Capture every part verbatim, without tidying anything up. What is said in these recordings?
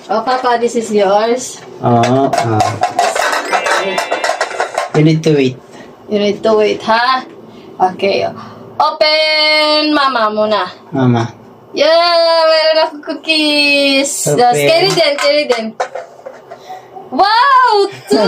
Oh, Papa, this is yours. Oo. Ah. You need to wait. You need to wait, ha? Okay. Open Mama muna. Mama. Yeah! Meron ako cookies! Open. Just carry them, carry them. Wow! Two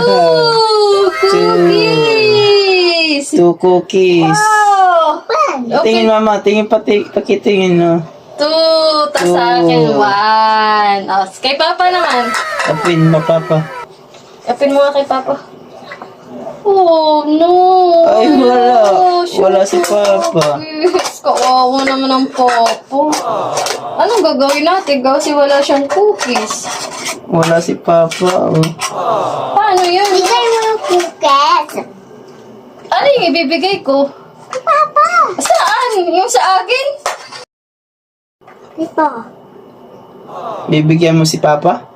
cookies! Two cookies. Wow! Tingin Open mama, tingin pati, pakitingin no. two, tas sa akin Two. one. Oh, kay Papa naman. Open mo, Papa. Open mo nga kay Papa. Oh, no! Ay, wala. Shoot. Wala si Papa. Yes, kawawa naman ang Papa. Anong gagawin natin kasi wala siyang cookies? Wala si Papa. Oh. Paano yun? Bigay mo yung cookies. Ano yung ibibigay ko? Papa. Saan? Yung sa akin? Ito. Bibigyan mo si Papa?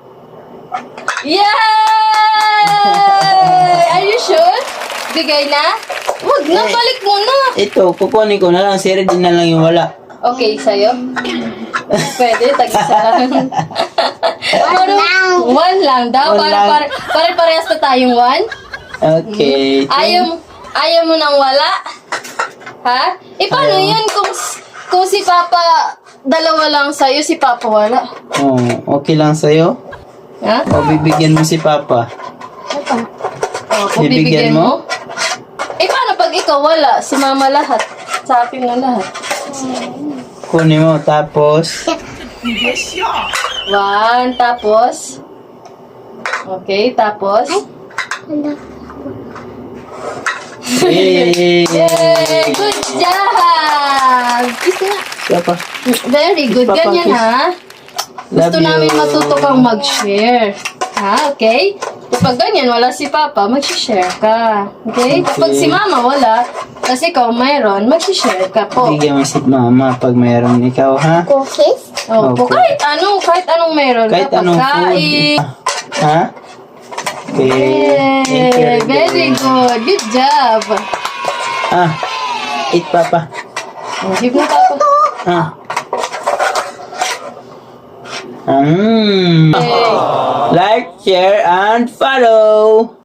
Yay! Are you sure? Bigay na? Wag na, Eh. balik mo na. Ito, kukunin ko na lang. Si Regine na lang yung wala. Okay, sa'yo? Pwede, tag-isa lang. One lang. One lang daw. One Para, lang. para, para parehas na tayong one? Okay. Ayaw, ayaw mo nang wala? Ha? E paano Ayaw. yun kung, kung si Papa, dalawa lang sa'yo, si Papa wala? Oh, okay lang sa'yo? Ha? O bibigyan mo si Papa? Ito. O, kung Bibigyan bibigyan mo? mo? Eh, paano pag ikaw wala? Si Mama lahat. Sa akin na lahat. Kunin mo, tapos... One, tapos? Okay, tapos? Ano? Yay! Yay! Good job! Gusto nga. Papa, Very good. Papa, Ganyan, kiss. ha? love Gusto you. namin matuto kang mag-share. Ha? Okay? Kapag ganyan, wala si Papa, mag-share ka. Okay? Kapag si Mama wala, kasi ikaw mayroon, mag-share ka po. Bigyan mo si Mama pag mayroon ikaw, ha? Cookies? Opo, Opo. kahit ano, kahit anong meron Kahit ka, anong pagkain. food. Ha? Okay. Thank you, Yay! Regine. Very good. Good job. Ah, eat Papa. Give mo Papa. Ah. Mm. Yay! Like, share, and follow.